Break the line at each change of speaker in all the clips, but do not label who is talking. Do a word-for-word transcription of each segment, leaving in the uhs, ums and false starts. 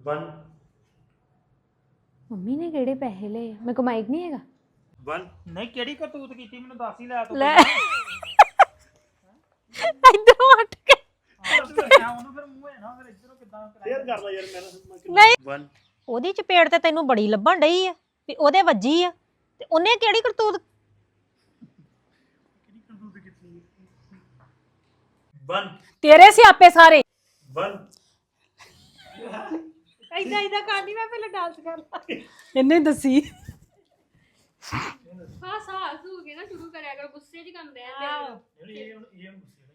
One
mummy ਨੇ ਕਿਹੜੇ ਪੈਸੇ ਲਏ ਆ? ਮੇਰੇ ਕੋਲ ਮਾਈਕ ਨਹੀਂ ਹੈਗਾ।
वन
ਨਹੀਂ ਕਿਹੜੀ ਕਰਤੂਤ ਕੀਤੀ ਮੈਨੂੰ ਦੱਸ ਹੀ ਲੈ ਤੂੰ
ਲੈ ਇੱਧਰੋਂ ਹਟ ਕੇ
ਉਹਨੂੰ ਫਿਰ ਮੂੰਹ ਹੈ ਨਾ ਫਿਰ ਇੱਧਰੋਂ ਕਿੱਦਾਂ
शेयर कर लो यार मैंने
ਨਹੀਂ
वन
ਉਹਦੀ ਚਪੇੜ ਤੇ ਤੈਨੂੰ ਬੜੀ ਲੱਭਣ ਡਈ ਆ ਵੀ ਉਹਦੇ ਵੱਜੀ ਆ ਤੇ ਉਹਨੇ ਕਿਹੜੀ ਕਰਤੂਤ
वन
ਤੇਰੇ ਸਿਆਪੇ ਸਾਰੇ
वन
ਐਦਾਂ ਐਦਾਂ ਕਰਦੀ ਮੈਂ ਪਹਿਲਾਂ ਡਾਂਸ ਕਰ ਲਾ।
ਇਹਨੇ ਦੱਸੀ
ਹਾਂ ਸਾਸ ਹੋ ਗਿਆ ਨਾ ਸ਼ੁਰੂ ਕਰਿਆ ਕਰ ਗੁੱਸੇ 'ਚ ਕੰਮ ਰਹਿੰਦੇ
ये ये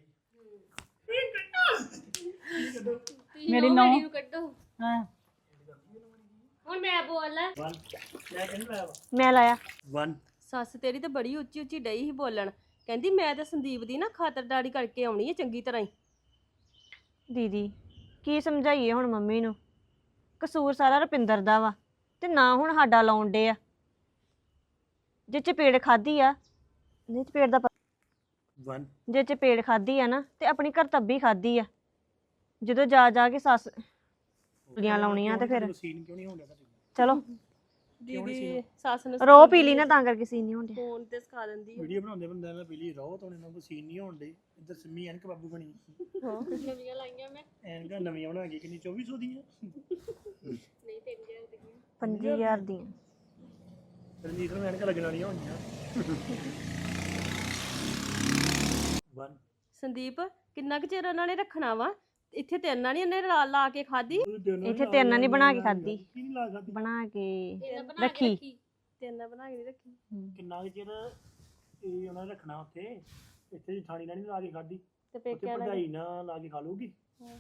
ਮੇਰੀ ਨੌਂ।
ਨੂੰ ਕੱਢੋ
ਹਾਂ
ਹੁਣ ਮੈਂ ਬੋਲਣਾ।
वन मैं कहने लाया
ਮੈਂ ਲਾਇਆ
वन
ਸੱਸ ਤੇਰੀ ਤੇ ਬੜੀ ਉੱਚੀ ਉੱਚੀ ਡਈ ਸੀ ਬੋਲਣ ਕਹਿੰਦੀ ਮੈਂ ਤਾਂ ਸੰਦੀਪ ਦੀ ਨਾ ਖਾਤਰਦਾਰੀ ਕਰਕੇ ਆਉਣੀ ਹੈ ਚੰਗੀ ਤਰ੍ਹਾਂ ਹੀ।
ਦੀਦੀ ਕੀ ਸਮਝਾਈਏ ਹੁਣ ਮੰਮੀ ਨੂੰ ਕਸੂਰ ਸਾਰਾ ਰੁਪਿੰਦਰ ਦਾ ਵਾ ਤੇ ਨਾ ਹੁਣ ਸਾਡਾ ਲਾਉਣ ਡੇ ਆ ਜੇ ਚਪੇੜ ਖਾਦੀ ਆ ਨਹੀਂ ਚਪੇੜ ਦਾ ਪ-
वन
ਜੇ ਚਪੇੜ ਖਾਦੀ ਆ ਨਾ ਤੇ ਆਪਣੀ ਕਰਤੱਬੀ ਖਾਦੀ ਆ ਜਦੋਂ ਜਾ ਜਾ ਕੇ ਸੱਸ ਲੀਆਂ ਲਾਉਣੀਆਂ ਤੇ ਫਿਰ
सीन क्यों नहीं हो रहा
ਚਲੋ
ਦੀਦੀ ਸੱਸ ਨੇ
ਰੋ ਪੀ ਲਈ ਨਾ ਤਾਂ ਕਰਕੇ ਸੀਨ ਨਹੀਂ ਹੁੰਦੇ
ਫੋਨ ਤੇ ਸਿਖਾ ਦਿੰਦੀ ਹੈ।
वीडियो बनाते बंदे ने पीली रहो तो उन्हें को सीन नहीं होने इधर सिम्मी एनक बाबू बनी
ਨਵੀਆਂ ਲਾਈਆਂ ਮੈਂ
एनक नवीं बना के कितनी चौबीस सौ दी
ਨਹੀਂ ਤਿੰਨ ਹਜ਼ਾਰ ਦੀਆਂ
ਪੰਜੀ ਹਜ਼ਾਰ ਦੀਆਂ
रंजीत में एनक लगने वाली होनी वन
ਸੰਦੀਪ ਕਿੰਨਾ ਕੁ ਚਿਰ ਉਹਨਾਂ ਨੇ ਰੱਖਣਾ ਵਾ ਇੱਥੇ ਤੇ ਇੰਨਾ ਨਹੀਂ ਉਹਨੇ ਲਾ ਲਾ ਕੇ ਖਾਦੀ
ਇੱਥੇ ਤੇਰੇ ਨਾਲ ਨਹੀਂ ਬਣਾ ਕੇ ਖਾਦੀ
की नहीं ला खाती
ਬਣਾ ਕੇ
ਇਹਨਾਂ ਬਣਾ ਕੇ
ਰੱਖੀ
ਰੱਖੀ
ਤੇਨਾਂ ਬਣਾ ਕੇ ਨਹੀਂ ਰੱਖੀ
ਕਿੰਨਾ ਕੁ ਚਿਰ ਇਹ ਉਹਨਾਂ ਨੇ ਰੱਖਣਾ ਉੱਥੇ ਇੱਥੇ ਜਠਾਣੀ ਨਾਲ ਨਹੀਂ ਲਾ ਕੇ ਖਾਦੀ
ਤੇ
ਉੱਥੇ
ਪੇਕਿਆਂ ਨਾਲ
ਭਰਜਾਈ ਨਾਲ ਲਾ ਕੇ ਖਾ ਲੂਗੀ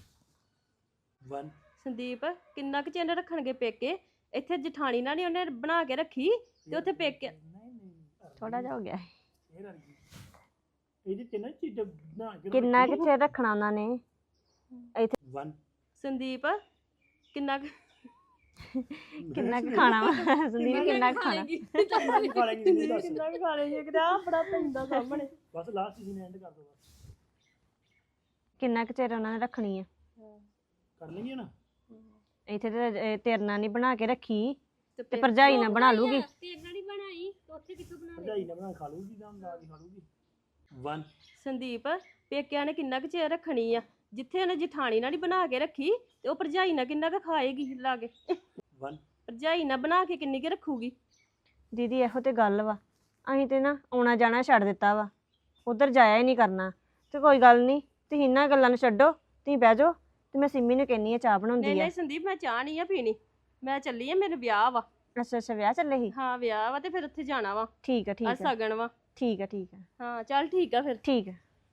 ਵਨ
ਸੰਦੀਪ ਕਿੰਨਾ ਕੁ ਚਿਰ ਰੱਖਣਗੇ ਪੇਕੇ ਇੱਥੇ ਜਠਾਣੀ ਨਾਲ ਨਹੀਂ ਉਹਨੇ ਬਣਾ ਕੇ ਰੱਖੀ ਤੇ ਉੱਥੇ ਪੇਕੇ
ਥੋੜਾ ਜਿਹਾ ਹੋ ਗਿਆ
ਇਹ ਰੰਗੀ ਇਹਦੇ ਚ ਨਾ ਚੀਜ਼ ਬਣਾ ਕੇ
ਕਿੰਨਾ ਕੁ ਚਿਰ ਰੱਖਣਾ ਉਹਨਾਂ ਨੇ ਇੱਥੇ
ਵਨ
ਸੰਦੀਪ ਕਿੰਨਾ ਕੁ
ਕਿੰਨਾ ਕੁ ਖਾਣਾ ਵਾ ਸੰਦੀਪ ਕਿੰਨਾ ਕੁ ਖਾਣਾ
ਖਾ ਲੈਂਗੇ ਨਹੀਂ ਦੱਸ
ਕਿੰਨਾ ਕੁ ਖਾ ਲਈਏ ਕਿਤੇ ਆ ਬੜਾ ਪੈਂਦਾ ਸਾਹਮਣੇ
ਬਸ ਲਾਸਟ ਸੀਨ ਐਂਡ ਕਰ ਦੋ ਬਸ
ਕਿੰਨਾ ਕੁ ਚਿਰ ਉਹਨਾਂ ਨੇ ਰੱਖਣੀ ਆ
ਕਰ ਲੈਂਗੇ ਨਾ
ਇੱਥੇ ਤੇ ਇਹ ਤੇਰੇ ਨਾਲ ਨਹੀਂ ਬਣਾ ਕੇ ਰੱਖੀ ਤੇ
ਪੇ-
ਭਰਜਾਈ ਨਾਲ ਬਣਾ ਲੂਗੀ
ਤੇ ਇਹਨਾਂ ਦੀ ਬਣਾਈ ਤੇ ਉੱਥੇ ਕਿੱਥੋਂ ਬਣਾ ਲਈ
ਭਰਜਾਈ ਨਾਲ ਬਣਾ ਖਾ ਲੂਗੀ ਜਾਂ ਲਾ ਕੇ ਖਾ ਲੂਗੀ ਵਨ
ਸੰਦੀਪ ਪੇਕਿਆਂ ਨੇ ਕਿੰਨਾ ਕੁ ਚਿਰ ਰੱਖਣੀ ਆ ਜਿੱਥੇ ਉਹਨੇ ਜਠਾਣੀ ਨਾਲ ਹੀ ਬਣਾ ਕੇ ਰੱਖੀ ਤੇ ਉਹ ਭਰਜਾਈ ਨਾਲ ਕਿੰਨਾ ਕੁ ਖਾਏਗੀ ਲਾ ਕੇ
ਵਨ
ਭਰਜਾਈ ਨਾਲ ਬਣਾ ਕੇ ਕਿੰਨੀ ਕੁ ਰੱਖੂਗੀ।
ਦੀਦੀ ਇਹੋ ਤੇ ਗੱਲ ਵਾ ਅਸੀਂ ਤੇ ਨਾ ਆਉਣਾ ਜਾਣਾ ਛੱਡ ਦਿੱਤਾ ਵਾ ਉਧਰ ਜਾਇਆ ਹੀ ਨਹੀਂ ਕਰਨਾ ਤੇ ਕੋਈ ਗੱਲ ਨਹੀਂ ਤੁਸੀਂ ਇਹਨਾਂ ਗੱਲਾਂ ਨੂੰ ਛੱਡੋ ਤੁਸੀਂ ਬਹਿ ਜਾਓ ਤੇ ਮੈਂ ਸਿੰਮੀ ਨੂੰ ਕਹਿੰਨੀ ਆ ਚਾਹ
ਨਹੀਂ
ਬਣਾਉਂਦੀ ਆ
ਨਹੀਂ ਸੰਦੀਪ ਮੈਂ ਚਾਹ ਨਹੀਂ ਆ ਪੀਣੀ ਮੈਂ ਚੱਲੀ ਆ ਮੇਰੇ ਵਿਆਹ ਵਾ।
ਅੱਛਾ ਅੱਛਾ ਵਿਆਹ ਚੱਲੇ ਸੀ
ਹਾਂ ਵਿਆਹ ਵਾ ਤੇ ਫਿਰ ਉੱਥੇ ਜਾਣਾ ਵਾ
ਠੀਕ ਆ
ਆ
ਠੀਕ ਆ
ਸਗਨ ਵਾ।
ਠੀਕ ਆ ਠੀਕ ਆ
ਹਾਂ ਚੱਲ ਠੀਕ ਆ ਫਿਰ
ਠੀਕ ਆ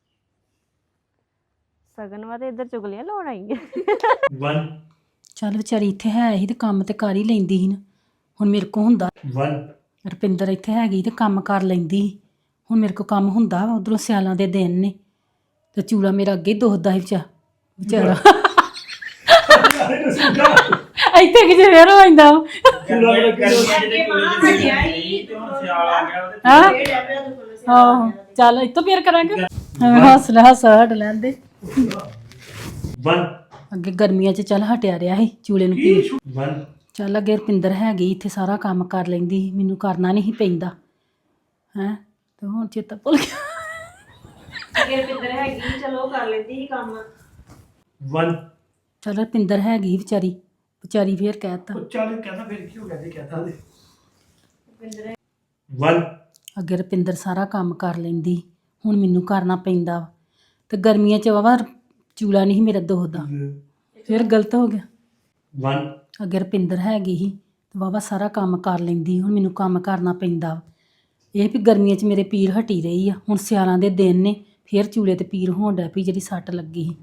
ਸਗਨ ਵਾ ਤੇ ਇੱਧਰ ਚੁਗਲੀਆਂ ਲਾਉਣ ਆਈ ਆ
ਵਨ
ਚੱਲ ਵਿਚਾਰੀ ਇੱਥੇ ਹੈ ਸੀ ਤੇ ਕੰਮ ਤੇ ਕਰ ਹੀ ਲੈਂਦੀ ਸੀ ਨਾ ਹੁਣ ਮੇਰੇ ਕੋ ਹੁੰਦਾ
ਵਨ
ਰੁਪਿੰਦਰ ਇੱਥੇ ਹੈਗੀ ਤੇ ਕੰਮ ਕਰ ਲੈਂਦੀ ਸੀ ਹੁਣ ਮੇਰੇ ਕੋ ਕੰਮ ਹੁੰਦਾ ਵਾ ਉਧਰੋਂ ਸਿਆਲਾਂ ਦੇ ਦਿਨ ਨੇ ਤੇ ਚੂਲਾ ਮੇਰਾ ਅੱਗੇ ਹੀ ਦੁਖਦਾ ਸੀ ਵਿਚਾ ਵਿਚਾਰਾ ਇੱਥੇ ਕਿਤੇ ਫੇਰ ਹੋ ਜਾਂਦਾ ਹਾਂ ਚੱਲ ਇੱਥੋਂ ਫੇਰ ਕਰਾਂਗੇ ਹੱਸ ਲੈ ਹੱਸ ਹਟ ਲੈਂਦੇ
ਵਨ
ਅੱਗੇ ਗਰਮੀਆਂ 'ਚ ਚੱਲ ਹਟਿਆ ਰਿਹਾ ਸੀ ਚੂਲੇ ਨੂੰ ਪੀ
ਵਨ
ਚੱਲ ਅੱਗੇ ਰੁਪਿੰਦਰ ਹੈਗੀ ਇੱਥੇ ਸਾਰਾ ਕੰਮ ਕਰ ਲੈਂਦੀ ਸੀ, ਮੈਨੂੰ ਕਰਨਾ ਨਹੀਂ ਸੀ ਪੈਂਦਾ ਹੈਂ ਤੇ ਹੁਣ ਚੇਤਾ ਭੁੱਲ ਗਿਆ
ਅੱਗੇ ਰੁਪਿੰਦਰ ਹੈਗੀ ਚਲੋ ਕਰ ਲੈਂਦੀ ਸੀ ਕੰਮ
ਵਨ
ਚੱਲ ਰੁਪਿੰਦਰ ਹੈਗੀ ਵਿਚਾਰੀ ਵਿਚਾਰੀ ਫੇਰ ਕਹਿਤਾ
ਚੱਲ ਕਹਿੰਦਾ ਫਿਰ ਕੀ ਹੋ ਗਿਆ ਜੀ ਕਹਿੰਦਾ ਦੇ ਵਨ
ਅੱਗੇ ਰੁਪਿੰਦਰ ਸਾਰਾ ਕੰਮ ਕਰ ਲੈਂਦੀ ਹੁਣ ਮੈਨੂੰ ਕਰਨਾ ਪੈਂਦਾ ਵਾ ਤੇ ਗਰਮੀਆਂ 'ਚ ਵਾਵਾ ਚੂਲਾ ਨਹੀਂ ਸੀ ਮੇਰਾ ਦੁਖਦਾ ਫਿਰ ਗਲਤ ਹੋ ਗਿਆ
ਵਨ
ਅੱਗੇ ਰੁਪਿੰਦਰ ਹੈਗੀ ਸੀ ਤੇ ਵਾਵਾ ਸਾਰਾ ਕੰਮ ਕਰ ਲੈਂਦੀ ਹੁਣ ਮੈਨੂੰ ਕੰਮ ਕਰਨਾ ਪੈਂਦਾ ਵਾ ਇਹ ਵੀ ਗਰਮੀਆਂ 'ਚ ਮੇਰੇ ਪੀਰ ਹਟੀ ਰਹੀ ਆ ਹੁਣ ਸਿਆਲਾਂ ਦੇ ਦਿਨ ਨੇ ਫਿਰ ਚੂਲੇ ਤੇ ਪੀਰ ਹੋਣ ਡੈ ਪਈ ਜਿਹੜੀ ਸੱਟ ਲੱਗੀ ਸੀ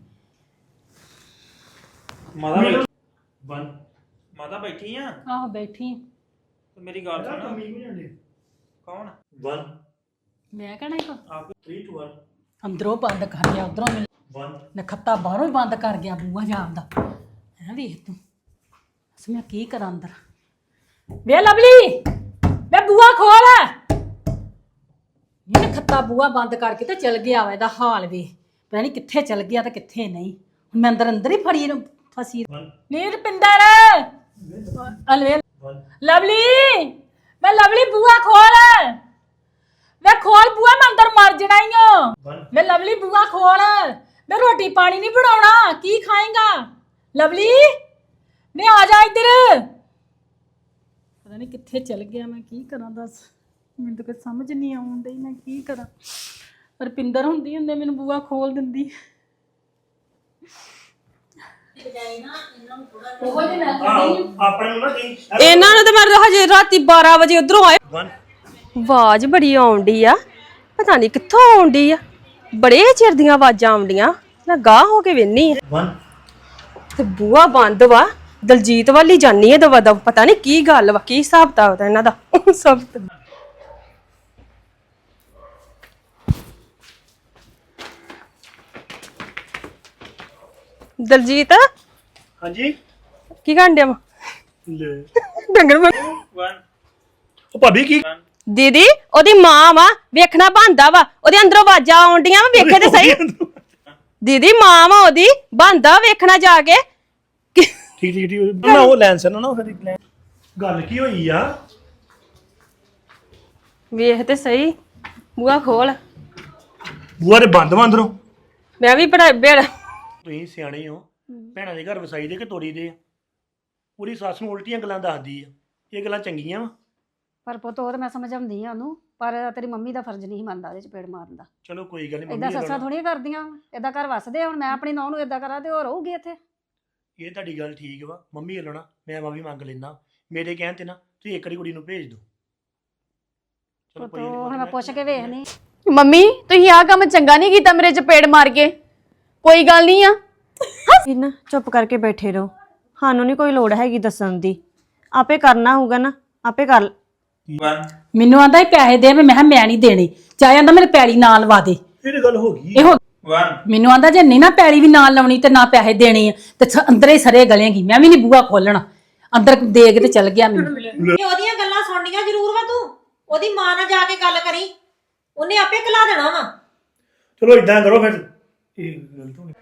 ਮਾਤਾ ਬੈਠੀ
ਵਨ
ਮਾਤਾ ਬੈਠੀ ਆ
ਆਹੋ ਬੈਠੀ
ਤੇ ਮੇਰੀ ਗੱਲ ਸੁਣ ਕੌਣ
ਵਨ
ਮੈਂ ਕਹਿਣਾ ਹੀ
ਆਪ
ਥ੍ਰੀ ਟੂ ਵਨ
ਅੰਦਰੋਂ ਬੰਦ ਕਰ ਗਿਆ ਉਧਰੋਂ ਮੈਨੂੰ
ਵਨ
ਨਖੱਤਾ ਬਾਹਰੋਂ ਹੀ ਬੰਦ ਕਰ ਗਿਆ ਬੂਹਾ ਜਾਣ ਦਾ ਐ ਵੇਖ ਤੂੰ ਅਸ ਮੈਂ ਕੀ ਕਰਾਂ ਅੰਦਰ ਵੇ ਲਵਲੀ ਵੇ ਬੂਹਾ ਖੋਲ ਇਹ ਨਖੱਤਾ ਬੂਹਾ ਬੰਦ ਕਰਕੇ ਤੇ ਚਲ ਗਿਆ ਵਾ ਇਹਦਾ ਹਾਲ ਵੇ ਪਤਾ ਨਹੀਂ ਕਿੱਥੇ ਚਲ ਗਿਆ ਤੇ ਕਿੱਥੇ ਨਹੀਂ ਹੁਣ ਮੈਂ ਅੰਦਰ ਅੰਦਰ ਹੀ ਫੜੀ ਨੂੰ ਫਸੀ
ਵਨ
ਨੀ ਰੁਪਿੰਦਰ ਅਲਵੇ ਲਵਲੀ ਮੈਂ ਲਵਲੀ ਬੂਆ ਖੋਲ ਮੈਂ ਖੋਲ ਬੂਆ ਮੈਂ ਅੰਦਰ ਮਰ ਜਣਾ ਈ ਓ ਮੈਂ ਲਵਲੀ ਬੂਆ ਖੋਲ ਮੈਂ ਰੋਟੀ ਪਾਣੀ ਨਹੀਂ ਬਣਾਉਣਾ ਕੀ ਖਾਏਗਾ ਲਵਲੀ ਮੈਂ ਆ ਜਾ ਇੱਧਰ ਪਤਾ ਨਹੀਂ ਕਿੱਥੇ ਚਲ ਗਿਆ ਮੈਂ ਕੀ ਕਰਾਂ ਦੱਸ ਮੈਨੂੰ ਤਾਂ ਕੁਝ ਸਮਝ ਨਹੀਂ ਆਉਂਦੀ ਮੈਂ ਕੀ ਕਰਾਂ ਰੁਪਿੰਦਰ ਹੁੰਦੀ ਹੁੰਦੇ ਮੈਨੂੰ ਬੂਆ ਖੋਲ ਦਿੰਦੀ
ਆਪਣੇ ਨੂੰ ਨਾ ਜੀ
ਇਹਨਾਂ ਨੂੰ ਤਾਂ ਮੈਂ ਹਜੇ ਰਾਤੀ ਬਾਰਾਂ ਵਜੇ ਉਧਰੋਂ ਆਏ ਆਵਾਜ਼ ਬੜੀ ਆਉਂਦੀ ਆ ਪਤਾ ਨਹੀਂ ਕਿੱਥੋਂ ਆਉਂਦੀ ਆ ਬੜੇ ਚਿਰ ਦੀਆਂ ਆਵਾਜ਼ਾਂ ਆਉਂਦੀਆਂ ਮੈਂ ਗਾਹ ਹੋ ਕੇ ਵੇਨੀ ਆ ਤੇ ਬੂਆ ਬੰਦ ਵਾ ਦਲਜੀਤ ਵਾਲੀ ਜਾਨੀ ਆ ਦਵਾ ਦਵ ਪਤਾ ਨਹੀਂ ਕੀ ਗੱਲ ਵਾ ਕੀ ਹਿਸਾਬ ਤਾ ਇਹਨਾਂ ਦਾ ਸਭ ਦਲਜੀਤ
ਹਾਂਜੀ
ਕੀ ਕਰਨ ਡਿਆ ਵਾ
ਲੈ
ਡੰਗਰ ਵਾਂਗ।
ਉਹ ਭਾਬੀ ਕੀ
ਦੀਦੀ ਉਹਦੀ ਮਾਂ ਵਾ ਵੇਖਣਾ ਬੰਦਾ ਵਾ ਉਹਦੇ ਅੰਦਰੋਂ ਆਵਾਜ਼ਾਂ ਆਉਂਦੀਆਂ ਵਾ ਵੇਖੇ ਤੇ ਸਹੀ ਦੀਦੀ ਮਾਂ ਵਾ ਉਹਦੀ ਬੰਦਾ ਵੇਖਣਾ ਜਾ ਕੇ
ਠੀਕ ਠੀਕ ਠੀਕ ਨਾ ਉਹ ਲੈਂਸ ਨਾ ਨਾ ਫਿਰ ਲੈਂ ਗੱਲ ਕੀ ਹੋਈ ਆ
ਵੇਖ ਤੇ ਸਹੀ ਬੂਆ ਖੋਲ
ਬੂਆ ਦੇ ਬੰਦ ਵਾ ਅੰਦਰੋਂ
ਮੈਂ ਵੀ ਪੜਾ ਬੇੜ
ਤੁਸੀਂ ਸਿਆਣੇ ਹੋ ਭੈਣਾਂ ਦੇ ਘਰ ਵਸਾਈ ਦੇ ਕਿ ਤੋੜੀ ਦੇ ਆ ਪੂਰੀ ਸੱਸ ਨੂੰ ਉਲਟੀਆਂ ਗੱਲਾਂ ਦੱਸਦੀ ਆ ਇਹ ਗੱਲਾਂ ਚੰਗੀਆਂ ਵਾ
ਪਰ ਪੁੱਤ ਉਹ ਤਾਂ ਮੈਂ ਸਮਝਾਉਂਦੀ ਆ ਉਹਨੂੰ ਪਰ ਤੇਰੀ ਮੰਮੀ ਦਾ ਫਰਜ਼ ਨਹੀਂ ਮੰਨਦਾ ਉਹਦੇ ਚ ਪੇੜ ਮਾਰਨ ਦਾ
ਚਲੋ ਕੋਈ ਗੱਲ ਨਹੀਂ
ਏਦਾਂ ਸੱਸਾਂ ਥੋੜੀਆਂ ਕਰਦੀਆਂ ਏਦਾਂ ਘਰ ਵਸਦੇ ਹੁਣ ਮੈਂ ਆਪਣੀ ਨੌਂ ਨੂੰ ਏਦਾਂ ਕਰਾਂ ਤੇ ਉਹ ਰਹੂਗੀ ਇੱਥੇ
ਇਹ ਤੁਹਾਡੀ ਗੱਲ ਠੀਕ ਵਾ ਮੰਮੀ ਵੱਲੋਂ ਨਾ ਮੈਂ ਮਾਫੀ ਮੰਗ ਲੈਣਾ ਮੇਰੇ ਕਹਿਣ ਤੇ ਨਾ ਤੁਸੀਂ ਇੱਕ ਵਾਰੀ ਕੁੜੀ ਨੂੰ ਭੇਜ ਦਿਓ ਚਲੋ
ਪੁੱਤ ਉਹ ਹੁਣ ਮੈਂ ਪੁੱਛ ਕੇ ਵੇਖਣੀ
ਮੰਮੀ ਤੁਸੀਂ ਆਹ ਕੰਮ ਚੰਗਾ ਨਹੀਂ ਕੀਤਾ ਮੇਰੇ ਚਪੇੜ ਮਾਰ ਕੇ ਕੋਈ ਗੱਲ ਨਹੀਂ ਆ
ਨਾ ਚੁੱਪ ਕਰਕੇ ਬੈਠੇ ਰਹੋ ਸਾਨੂੰ ਨਹੀਂ ਕੋਈ ਲੋੜ ਹੈਗੀ ਦੱਸਣ ਦੀ ਆਪੇ ਕਰਨਾ ਹੋਊਗਾ ਨਾ ਆਪੇ ਕਰ
ਮੈਨੂੰ ਆਂਦਾ ਇਹ ਪੈਸੇ ਦੇ ਮੈਂ ਕਿਹਾ ਮੈਂ ਨਹੀਂ ਦੇਣੇ ਚਾਹੇ ਆਂਦਾ ਮੇਰੇ ਪੈਲੀ ਨਾਲ ਲਵਾ ਦੇ
ਇਹ ਗੱਲ ਹੋ ਗਈ
ਇਹੋ ਮੈਨੂੰ ਆਂਦਾ ਜੇ ਨਹੀਂ ਨਾ ਪੈਲੀ ਵੀ ਨਾਲ ਲਾਉਣੀ ਤੇ ਨਾ ਪੈਸੇ ਦੇਣੇ ਆ ਤੇ ਸ- ਅੰਦਰੇ ਸਰੇ ਗਲੇਗੀ ਮੈਂ ਵੀ ਨਹੀਂ ਬੂਆ ਖੋਲਣਾ ਅੰਦਰ ਦੇ ਕੇ ਤੇ ਚਲ ਗਿਆ ਮੈਨੂੰ
ਉਹਦੀਆਂ ਗੱਲਾਂ ਸੁਣਨੀਆਂ ਜ਼ਰੂਰ ਵਾ ਤੂੰ ਉਹਦੀ ਮਾਂ ਨਾਲ ਜਾ ਕੇ ਗੱਲ ਕਰੀ ਉਹਨੇ ਆਪੇ ਕਲਾ ਦੇਣਾ ਵਾ
ਚਲੋ ਇਦਾਂ ਕਰੋ ਫਿਰ ਇਹ ਗਲਤ ਹੋ ਗਈ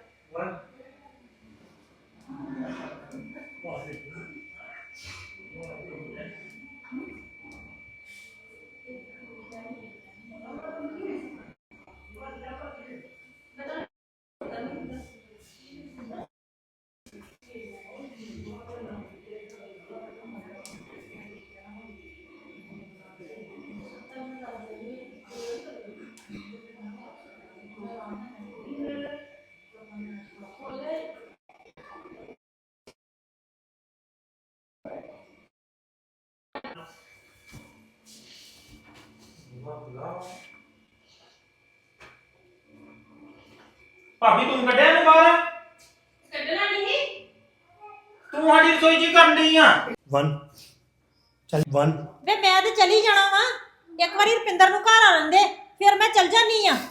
ਭਾਬੀ ਤੂੰ ਕੱਢਿਆ ਇਹਨੂੰ ਬਾਹਰ ਕੱਢਣਾ ਨਹੀਂ ਤੂੰ ਸਾਡੀ ਰਸੋਈ ਚ ਕਰਨ ਡਈ ਆ
ਵਨ ਚੱਲ ਵਨ
ਵੇ ਮੈਂ ਤੇ ਚਲੀ ਜਾਣਾ ਵਾ ਇੱਕ ਵਾਰੀ ਰੁਪਿੰਦਰ ਨੂੰ ਘਰ ਆ ਲੈਂਦੇ ਫਿਰ ਮੈਂ ਚਲ ਜਾਨੀ ਆ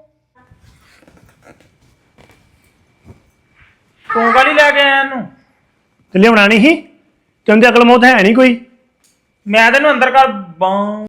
ਤੂੰ ਕਾਹਲੀ ਲੈ ਕੇ ਆਇਆ ਇਹਨੂੰ
ਤੇ ਲਿਆਉਣਾ ਨਹੀਂ ਸੀ ਤੈਨੂੰ ਤੇ ਅਕਲ ਮੌਤ ਹੈ ਨਹੀਂ ਕੋਈ
ਮੈਂ ਤੈਨੂੰ ਅੰਦਰ ਕਰ ਬਾਂ